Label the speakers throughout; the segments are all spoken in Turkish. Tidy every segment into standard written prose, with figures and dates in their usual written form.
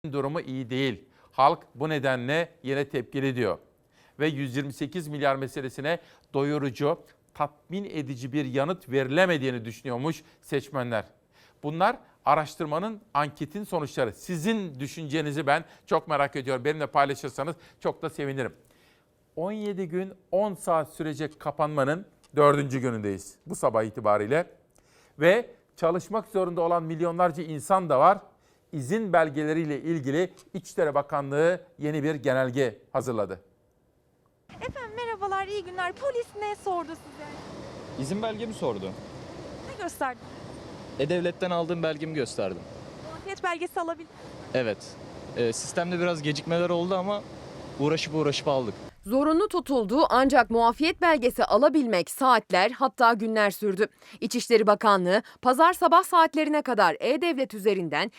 Speaker 1: durumu iyi değil. Halk bu nedenle yine tepkili diyor. Ve 128 milyar meselesine doyurucu, tatmin edici bir yanıt verilemediğini düşünüyormuş seçmenler. Bunlar araştırmanın, anketin sonuçları. Sizin düşüncenizi ben çok merak ediyorum. Benimle paylaşırsanız çok da sevinirim. 17 gün 10 saat sürecek kapanmanın 4. günündeyiz bu sabah itibariyle. Ve çalışmak zorunda olan milyonlarca insan da var. İzin belgeleriyle ilgili İçişleri Bakanlığı yeni bir genelge hazırladı.
Speaker 2: Efendim merhabalar, iyi günler. Polis ne sordu size?
Speaker 3: İzin belgemi sordu.
Speaker 2: Ne gösterdi?
Speaker 3: E-Devlet'ten aldığım belgemi gösterdim.
Speaker 2: Muafiyet belgesi alabildiniz mi?
Speaker 3: Evet. Sistemde biraz gecikmeler oldu ama uğraşıp aldık.
Speaker 4: Zorunlu tutuldu ancak muafiyet belgesi alabilmek saatler hatta günler sürdü. İçişleri Bakanlığı pazar sabah saatlerine kadar E-Devlet üzerinden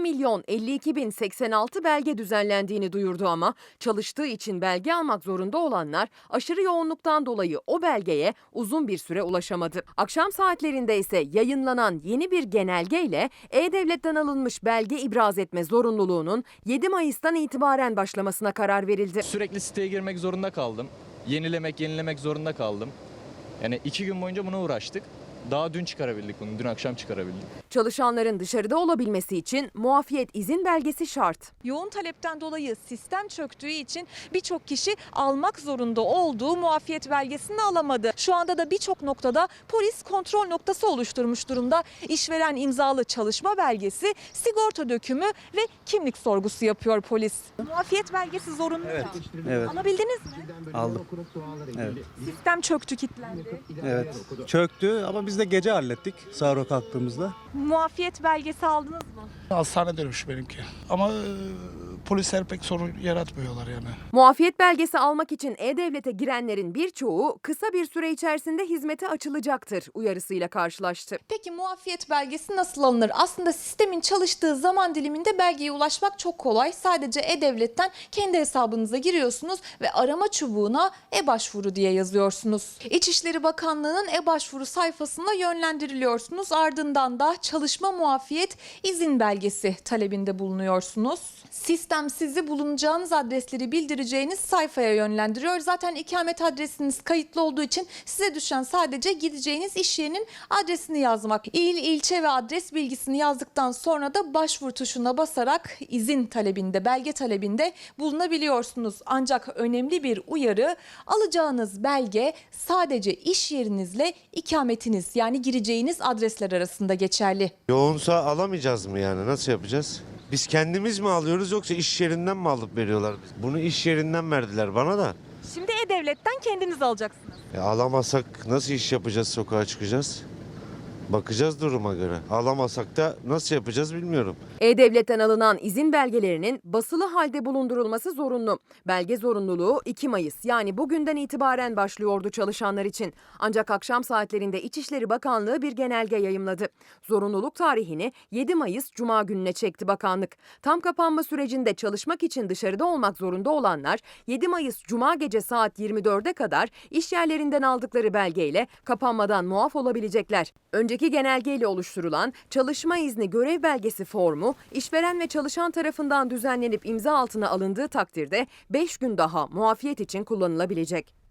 Speaker 4: 2.052.086 belge düzenlendiğini duyurdu ama çalıştığı için belge almak zorunda olanlar aşırı yoğunluktan dolayı o belgeye uzun bir süre ulaşamadı. Akşam saatlerinde ise yayınlanan yeni bir genelgeyle E-Devlet'ten alınmış belge ibraz etme zorunluluğunun 7 Mayıs'tan itibaren başlamasına karar verildi.
Speaker 3: Sürekli siteye girmek zorunda kaldım. Yenilemek zorunda kaldım. Yani 2 gün boyunca buna uğraştık. Daha dün çıkarabildik bunu. Dün akşam çıkarabildik.
Speaker 4: Çalışanların dışarıda olabilmesi için muafiyet izin belgesi şart.
Speaker 2: Yoğun talepten dolayı sistem çöktüğü için birçok kişi almak zorunda olduğu muafiyet belgesini alamadı. Şu anda da birçok noktada polis kontrol noktası oluşturmuş durumda. İşveren imzalı çalışma belgesi, sigorta dökümü ve kimlik sorgusu yapıyor polis. Muafiyet belgesi zorunlu ya.
Speaker 5: Evet.
Speaker 2: Alabildiniz mi?
Speaker 5: Aldım. Evet.
Speaker 2: Sistem çöktü, kilitlendi.
Speaker 5: Evet. Çöktü ama biz de gece hallettik sahura kalktığımızda.
Speaker 2: Muafiyet belgesi aldınız mı?
Speaker 6: Hastane dönmüş benimki. Ama polisler pek sorun yaratmıyorlar yani.
Speaker 4: Muafiyet belgesi almak için E-Devlet'e girenlerin birçoğu kısa bir süre içerisinde hizmete açılacaktır uyarısıyla karşılaştı.
Speaker 2: Peki muafiyet belgesi nasıl alınır? Aslında sistemin çalıştığı zaman diliminde belgeye ulaşmak çok kolay. Sadece E-Devlet'ten kendi hesabınıza giriyorsunuz ve arama çubuğuna e-başvuru diye yazıyorsunuz. İçişleri Bakanlığı'nın e-başvuru sayfasına yönlendiriliyorsunuz. Ardından da çalışma muafiyet izin belgesi talebinde bulunuyorsunuz. Sistem sizi bulunacağınız adresleri bildireceğiniz sayfaya yönlendiriyor. Zaten ikamet adresiniz kayıtlı olduğu için size düşen sadece gideceğiniz iş yerinin adresini yazmak. İl, ilçe ve adres bilgisini yazdıktan sonra da başvur tuşuna basarak izin talebinde, belge talebinde bulunabiliyorsunuz. Ancak önemli bir uyarı, alacağınız belge sadece iş yerinizle ikametiniz yani gireceğiniz adresler arasında geçerli.
Speaker 7: Yoğunsa alamayacağız mı yani? Nasıl yapacağız? Biz kendimiz mi alıyoruz yoksa iş yerinden mi alıp veriyorlar? Bunu iş yerinden verdiler bana da.
Speaker 2: Şimdi E-Devlet'ten kendiniz alacaksınız.
Speaker 7: Alamazsak nasıl iş yapacağız, sokağa çıkacağız? Bakacağız duruma göre. Alamasak da nasıl yapacağız bilmiyorum.
Speaker 4: E-Devlet'ten alınan izin belgelerinin basılı halde bulundurulması zorunlu. Belge zorunluluğu 2 Mayıs yani bugünden itibaren başlıyordu çalışanlar için. Ancak akşam saatlerinde İçişleri Bakanlığı bir genelge yayımladı. Zorunluluk tarihini 7 Mayıs Cuma gününe çekti bakanlık. Tam kapanma sürecinde çalışmak için dışarıda olmak zorunda olanlar 7 Mayıs Cuma gece saat 24'e kadar iş yerlerinden aldıkları belgeyle kapanmadan muaf olabilecekler. Önceki genelgeyle oluşturulan çalışma izni görev belgesi formu işveren ve çalışan tarafından düzenlenip imza altına alındığı takdirde 5 gün daha muafiyet için kullanılabilecek.